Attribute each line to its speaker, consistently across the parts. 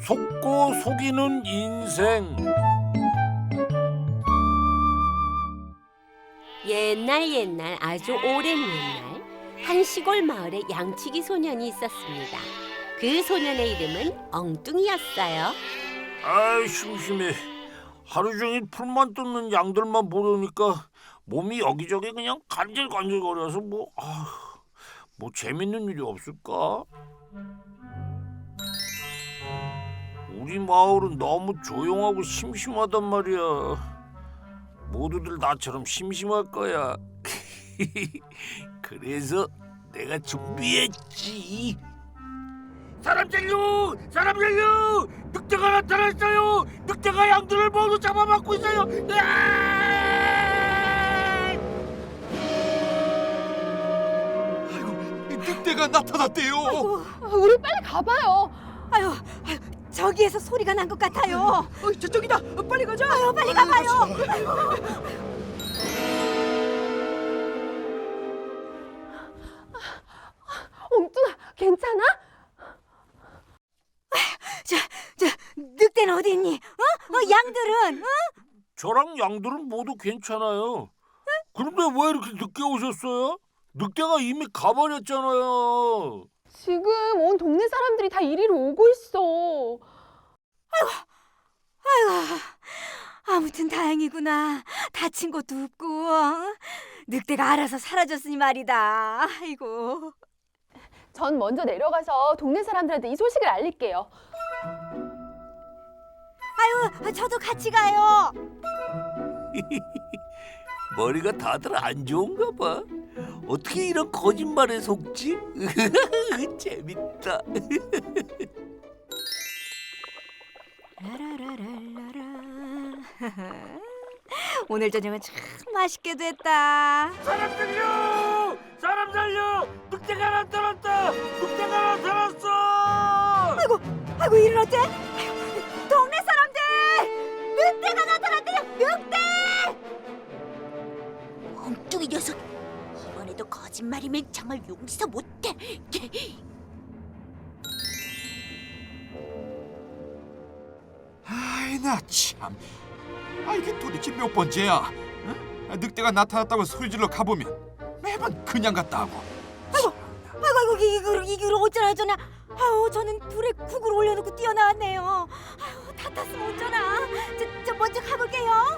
Speaker 1: 속고 속이는 인생.
Speaker 2: 옛날 아주 오랜 옛날 한 시골 마을에 양치기 소년이 있었습니다. 그 소년의 이름은 엉뚱이였어요.
Speaker 1: 아이 심심해. 하루 종일 풀만 뜯는 양들만 보려니까 몸이 여기저기 그냥 간질간질거려서 뭐 재밌는 일이 없을까? 우리 마을은 너무 조용하고 심심하단 말이야. 모두들 나처럼 심심할 거야. 그래서 내가 준비했지. 사람 살려! 사람 살려! 늑대가 나타났어요! 늑대가 양들을 모두 잡아먹고 있어요!
Speaker 3: 아이고, 늑대가 나타났대요.
Speaker 4: 우리 빨리 가봐요.
Speaker 5: 아유, 저기에서 소리가 난 것 같아요.
Speaker 4: 저쪽이다. 빨리 가자.
Speaker 5: 빨리 가봐요.
Speaker 4: 엉뚱아, 괜찮아?
Speaker 5: 저 늑대는 어디 있니? 양들은?
Speaker 1: 저랑 양들은 모두 괜찮아요. 그런데 왜 이렇게 늦게 오셨어요? 늑대가 이미 가버렸잖아요.
Speaker 4: 지금 온 동네 사람들이 다 이리로 오고 있어.
Speaker 5: 아이고, 아무튼 다행이구나. 다친 것도 없고 늑대가 알아서 사라졌으니 말이다. 아이고.
Speaker 4: 전 먼저 내려가서 동네 사람들한테 이 소식을 알릴게요.
Speaker 5: 아유, 저도 같이 가요.
Speaker 1: 머리가 다들 안 좋은가 봐. 어떻게 이런 거짓말에 속지? 재밌다.
Speaker 5: 라라라라라라. 오늘 저녁은 참 맛있게 됐다.
Speaker 1: 사람 살려! 사람 살려! 늑대가 나타났다! 늑대가 나타났어!
Speaker 5: 아이고, 일은 어째? 아이고, 동네 사람들! 늑대가 나타났대요! 늑대! 엉뚱이 녀석! 이번에도 거짓말이면 정말 용서 못해.
Speaker 3: 아이 나 참. 이게 도대체 몇 번째야? 응? 늑대가 나타났다고 소리질러 가보면 매번 그냥 갔다 하고.
Speaker 5: 아이고, 이걸 어쩌나. 아우, 저는 불에 국을 올려놓고 뛰어나왔네요. 아유, 다 탔으면 어쩌나. 저 먼저 가볼게요.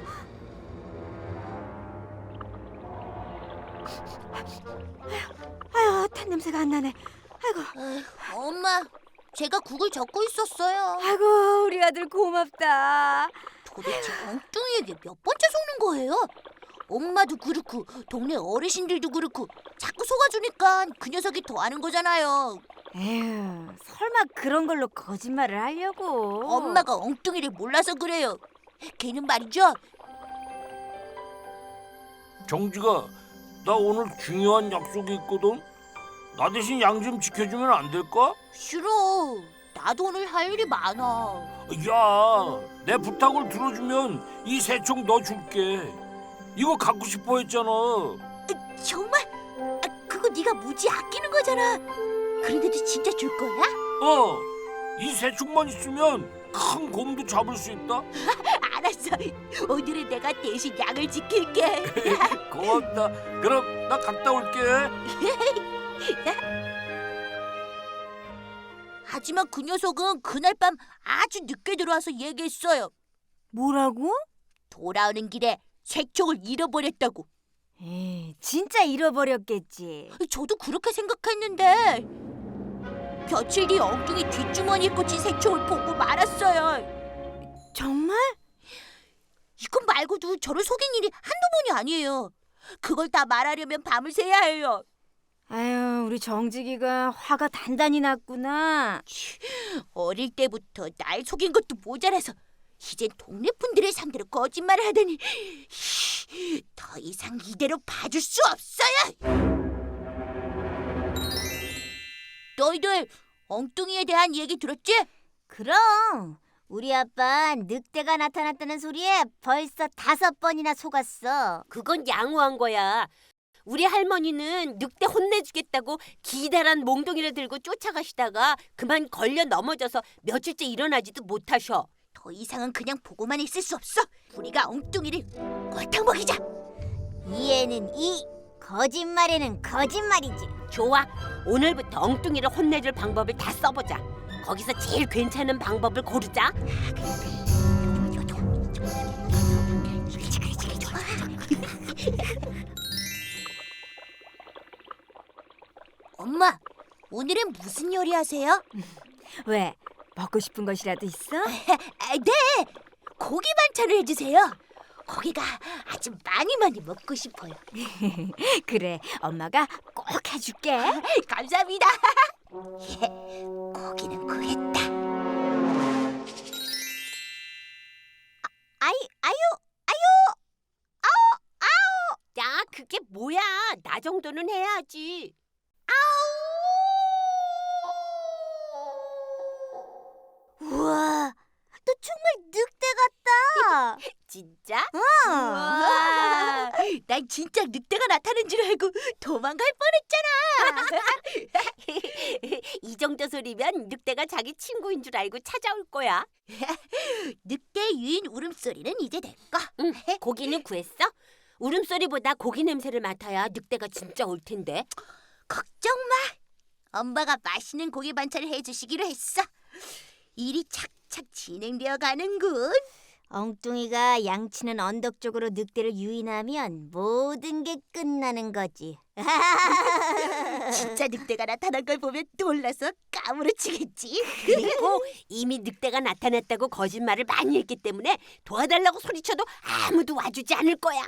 Speaker 5: 아유, 탄 냄새가 안 나네. 아이고.
Speaker 6: 엄마, 제가 국을 젓고 있었어요.
Speaker 5: 아이고, 우리 아들 고맙다.
Speaker 6: 도대체 엉뚱이에게 몇 번째 속는 거예요? 엄마도 그렇고 동네 어르신들도 그렇고 자꾸 속아주니까 그 녀석이 더 하는 거잖아요.
Speaker 5: 에휴, 설마 그런 걸로 거짓말을 하려고.
Speaker 6: 엄마가 엉뚱이를 몰라서 그래요. 걔는 말이죠.
Speaker 1: 정지가, 나 오늘 중요한 약속이 있거든. 나 대신 양 좀 지켜주면 안 될까?
Speaker 6: 싫어. 나도 오늘 할 일이 많아.
Speaker 1: 야, 내 부탁을 들어주면 이 새총 너 줄게. 이거 갖고 싶어 했잖아.
Speaker 6: 정말? 그거 네가 무지 아끼는 거잖아. 그런데도 진짜 줄 거야?
Speaker 1: 이 새총만 있으면 큰 곰도 잡을 수 있다.
Speaker 6: 알았어. 오늘은 내가 대신 양을 지킬게.
Speaker 1: 고맙다. 그럼 나 갔다 올게.
Speaker 6: 하지만 그 녀석은 그날 밤 아주 늦게 들어와서 얘기했어요.
Speaker 5: 뭐라고?
Speaker 6: 돌아오는 길에 새총을 잃어버렸다고.
Speaker 5: 에이, 진짜 잃어버렸겠지.
Speaker 6: 저도 그렇게 생각했는데 며칠 뒤 엉뚱이 뒷주머니에 꽂힌 새총을 보고 말았어요.
Speaker 5: 정말?
Speaker 6: 이것 말고도 저를 속인 일이 한두 번이 아니에요. 그걸 다 말하려면 밤을 새야 해요.
Speaker 5: 아유, 우리 정직이가 화가 단단히 났구나.
Speaker 6: 어릴 때부터 날 속인 것도 모자라서 이젠 동네 분들을 상대로 거짓말을 하다니 더 이상 이대로 봐줄 수 없어요. 너희들 엉뚱이에 대한 얘기 들었지?
Speaker 5: 그럼 우리 아빠 늑대가 나타났다는 소리에 벌써 5번이나 속았어.
Speaker 2: 그건 양호한 거야. 우리 할머니는 늑대 혼내주겠다고 기다란 몽둥이를 들고 쫓아가시다가 그만 걸려 넘어져서 며칠째 일어나지도 못하셔.
Speaker 6: 더 이상은 그냥 보고만 있을 수 없어. 우리가 엉뚱이를 골탕 먹이자.
Speaker 5: 이에는 이, 거짓말에는 거짓말이지.
Speaker 2: 좋아, 오늘부터 엉뚱이를 혼내줄 방법을 다 써보자. 거기서 제일 괜찮은 방법을 고르자.
Speaker 6: 엄마, 오늘은 무슨 요리 하세요?
Speaker 5: 왜? 먹고 싶은 것이라도 있어?
Speaker 6: 네, 고기 반찬을 해주세요. 고기가 아주 많이 먹고 싶어요.
Speaker 5: 그래, 엄마가 꼭 해줄게.
Speaker 6: 감사합니다. 고기는 구했다.
Speaker 2: 야, 그게 뭐야? 나 정도는 해야지.
Speaker 5: 우와, 너 정말 늑대 같다.
Speaker 2: 진짜?
Speaker 6: 우와, 난 진짜 늑대가 나타난 줄 알고 도망갈 뻔했잖아.
Speaker 2: 이 정도 소리면 늑대가 자기 친구인 줄 알고 찾아올 거야.
Speaker 6: 늑대 유인 울음소리는 이제 내 거.
Speaker 2: 응, 고기는 구했어? 울음소리보다 고기 냄새를 맡아야 늑대가 진짜 올 텐데.
Speaker 6: 걱정 마. 엄마가 맛있는 고기 반찬을 해주시기로 했어. 일이 착착 진행되어 가는군.
Speaker 5: 엉뚱이가 양치는 언덕 쪽으로 늑대를 유인하면 모든 게 끝나는 거지.
Speaker 6: 진짜 늑대가 나타난 걸 보면 놀라서 까무러치겠지.
Speaker 2: 그리고 이미 늑대가 나타났다고 거짓말을 많이 했기 때문에 도와달라고 소리쳐도 아무도 와주지 않을 거야.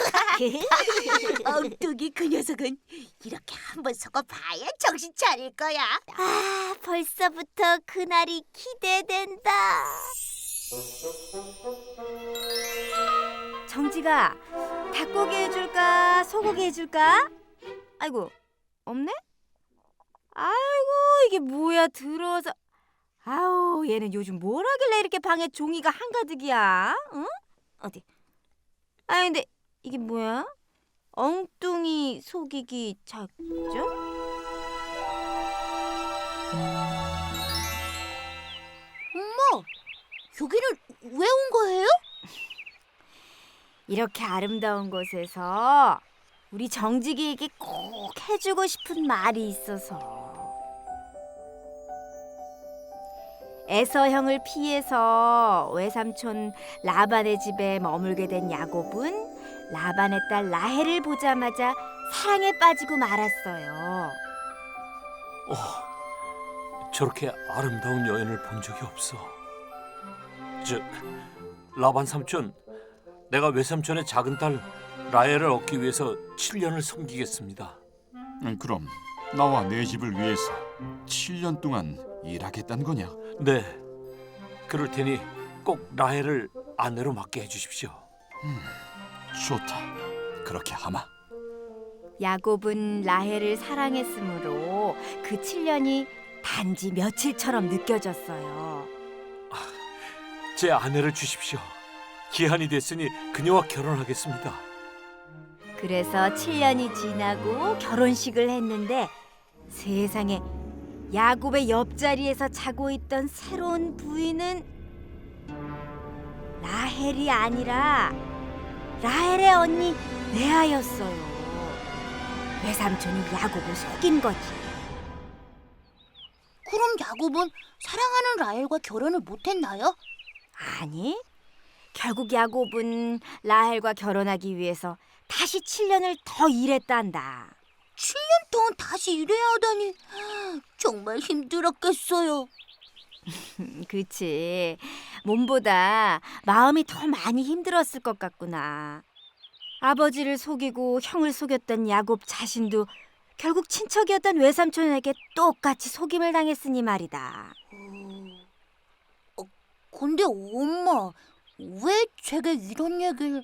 Speaker 6: 엉뚱이 그 녀석은 이렇게 한번 속아봐야 정신 차릴 거야.
Speaker 5: 아, 벌써부터 그날이 기대된다. 정지가 닭고기 해줄까 소고기 해줄까? 아이고 없네? 아이고 이게 뭐야 들어와서 아우 얘는 요즘 뭘 하길래 이렇게 방에 종이가 한가득이야? 응? 어디? 아 근데 이게 뭐야? 엉뚱이 속이기 작전?
Speaker 6: 엄마, 여기는 왜 온 거예요?
Speaker 5: 이렇게 아름다운 곳에서 우리 정직이에게 꼭 해주고 싶은 말이 있어서. 에서형을 피해서 외삼촌 라반의 집에 머물게 된 야곱은 라반의 딸 라헬을 보자마자 사랑에 빠지고 말았어요.
Speaker 1: 저렇게 아름다운 여인을 본 적이 없어. 라반 삼촌, 내가 외삼촌의 작은 딸 라헬을 얻기 위해서 7년을 섬기겠습니다.
Speaker 3: 그럼 나와 내 집을 위해서 7년 동안 일하겠다는 거냐?
Speaker 1: 네, 그럴 테니 꼭 라헬을 아내로 맡게 해주십시오.
Speaker 3: 좋다. 그렇게 하마.
Speaker 5: 야곱은 라헬을 사랑했으므로 그 7년이 단지 며칠처럼 느껴졌어요.
Speaker 1: 제 아내를 주십시오. 기한이 됐으니 그녀와 결혼하겠습니다.
Speaker 5: 그래서 7년이 지나고 결혼식을 했는데 세상에 야곱의 옆자리에서 자고 있던 새로운 부인은 라헬이 아니라 라헬의 언니 레아였어요. 외삼촌이 야곱을 속인 거지.
Speaker 6: 그럼 야곱은 사랑하는 라헬과 결혼을 못했나요?
Speaker 5: 아니, 결국 야곱은 라헬과 결혼하기 위해서 다시 7년을 더 일했단다.
Speaker 6: 7년 동안 다시 일해야 하다니 정말 힘들었겠어요.
Speaker 5: 그치. 몸보다 마음이 더 많이 힘들었을 것 같구나. 아버지를 속이고 형을 속였던 야곱 자신도 결국 친척이었던 외삼촌에게 똑같이 속임을 당했으니 말이다.
Speaker 6: 근데 엄마, 왜 제가 이런 얘기를...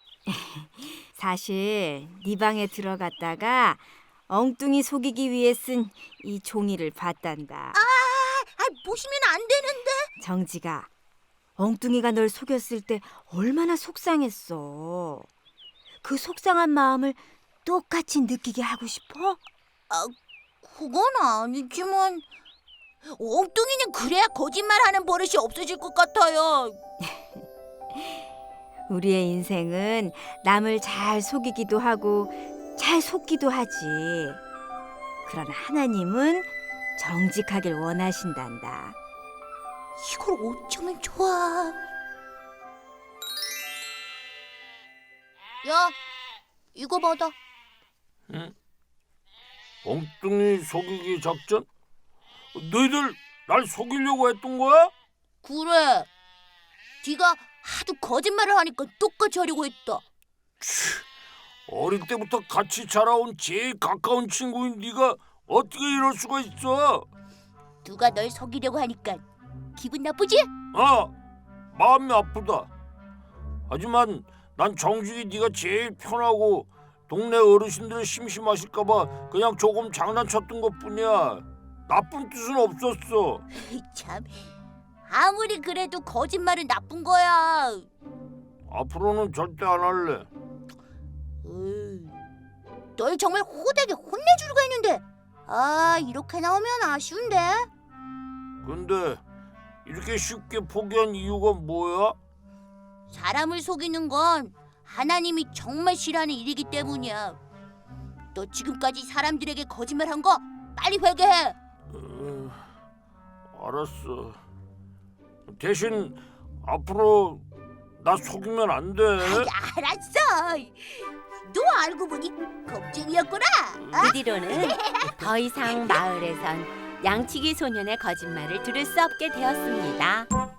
Speaker 5: 사실 네 방에 들어갔다가 엉뚱이 속이기 위해 쓴 이 종이를 봤단다.
Speaker 6: 보시면 안 되는데.
Speaker 5: 정지가, 엉뚱이가 널 속였을 때 얼마나 속상했어. 그 속상한 마음을 똑같이 느끼게 하고 싶어?
Speaker 6: 그건 아니지만 엉뚱이는 그래야 거짓말하는 버릇이 없어질 것 같아요.
Speaker 5: 우리의 인생은 남을 잘 속이기도 하고 잘 속기도 하지. 그러나 하나님은 정직하길 원하신단다.
Speaker 6: 이걸 어쩌면 좋아. 야, 이거 받아.
Speaker 1: 엉뚱이 속이기 작전? 너희들 날 속이려고 했던 거야?
Speaker 6: 그래. 네가 하도 거짓말을 하니까 똑같이 하려고 했다.
Speaker 1: 어릴 때부터 같이 자라온 제일 가까운 친구인 네가 어떻게 이럴 수가 있어?
Speaker 6: 누가 널 속이려고 하니까 기분 나쁘지?
Speaker 1: 마음이 아프다. 하지만 난 정직이 네가 제일 편하고 동네 어르신들 심심하실까봐 그냥 조금 장난쳤던 것뿐이야. 나쁜 뜻은 없었어.
Speaker 6: 참, 아무리 그래도 거짓말은 나쁜 거야.
Speaker 1: 앞으로는 절대 안 할래.
Speaker 6: 널 정말 호되게 혼내주려고 했는데 이렇게 나오면 아쉬운데.
Speaker 1: 근데 이렇게 쉽게 포기한 이유가 뭐야?
Speaker 6: 사람을 속이는 건 하나님이 정말 싫어하는 일이기 때문이야. 너 지금까지 사람들에게 거짓말한 거 빨리 회개해.
Speaker 1: 알았어. 대신 앞으로 나 속이면 안 돼.
Speaker 6: 알았어. 너 알고 보니 겁쟁이였구나.
Speaker 2: 그 뒤로는 더 이상 마을에선 양치기 소년의 거짓말을 들을 수 없게 되었습니다.